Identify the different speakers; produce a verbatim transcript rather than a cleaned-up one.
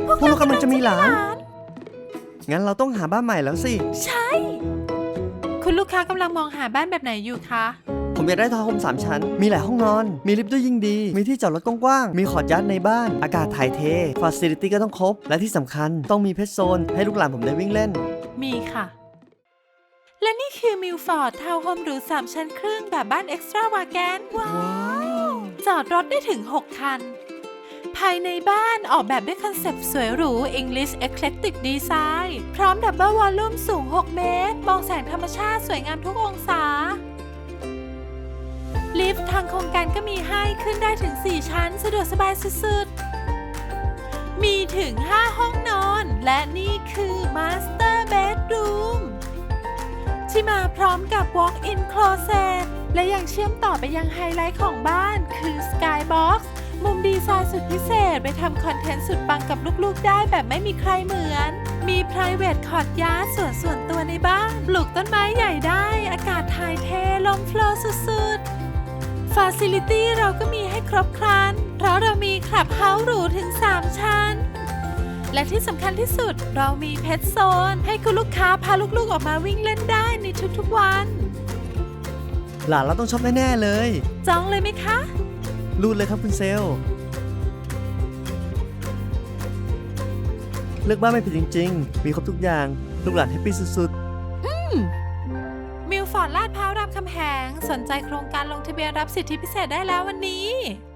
Speaker 1: พวกเรากำลังจะมีหลานงั้นเราต้องหาบ้านใหม่แล้วสิ
Speaker 2: ใช่คุณลูกค้ากำลังมองหาบ้านแบบไหนอยู่คะ
Speaker 1: ผมอยากได้ทาวน์โฮมสามชั้นมีหลายห้องนอนมีลิฟต์ด้วยยิ่งดีมีที่จอดรถกว้างๆมีคอร์ทยัดในบ้านอากาศถ่ายเทฟาซิลิตี้ก็ต้องครบและที่สำคัญต้องมีเพชรโซนให้ลูกหลานผมได้วิ่งเล่น
Speaker 2: มีค่ะและนี่คือมิลฟอร์ดทาวน์โฮมหรูสามชั้นครึ่งแบบบ้านเอ็กซ์ตร้าวาแกนว้าวจอดรถได้ถึงหกคันภายในบ้านออกแบบด้วยคอนเซปต์สวยหรู English Eclectic Design พร้อมดับเบิลวอลลุ่มสูงหกเมตรมองแสงธรรมชาติสวยงามทุกองศาลิฟต์ทางโครงการก็มีให้ขึ้นได้ถึงสี่ชั้นสะดวกสบายสุดๆมีถึงห้าห้องนอนและนี่คือ Master Bedroom ที่มาพร้อมกับ Walk-in Closet และยังเชื่อมต่อไปยังไฮไลท์ของบ้านคือ Skybox มุมดีไซน์สุดพิเศษไปทำคอนเทนต์สุดปังกับลูกๆได้แบบไม่มีใครเหมือนมี private courtyard ส่วนส่วนตัวในบ้านปลูกต้นไม้ใหญ่ได้อากาศถ่ายเทลมโฟลว์สุดๆ Facility เราก็มีให้ครบครันเพราะเรามีคลับเฮาส์หรูถึงสามชั้นและที่สำคัญที่สุดเรามีเพชรโซนให้คุณลูกค้าพาลูกๆออกมาวิ่งเล่นได้ในทุกๆวัน
Speaker 1: หลานเราต้องชอบแน่ๆเลย
Speaker 2: จองเลยไหมคะ
Speaker 1: รูดเลยครับคุณเซลเลือกบ้านไม่ผิดจริงๆมีครบทุกอย่างลูกหลานแฮปปี้สุดๆ
Speaker 2: อืมมิลฟอร์ดลาดพร้าวรามคำแหงสนใจโครงการลงทะเบียนรับสิทธิพิเศษได้แล้ววันนี้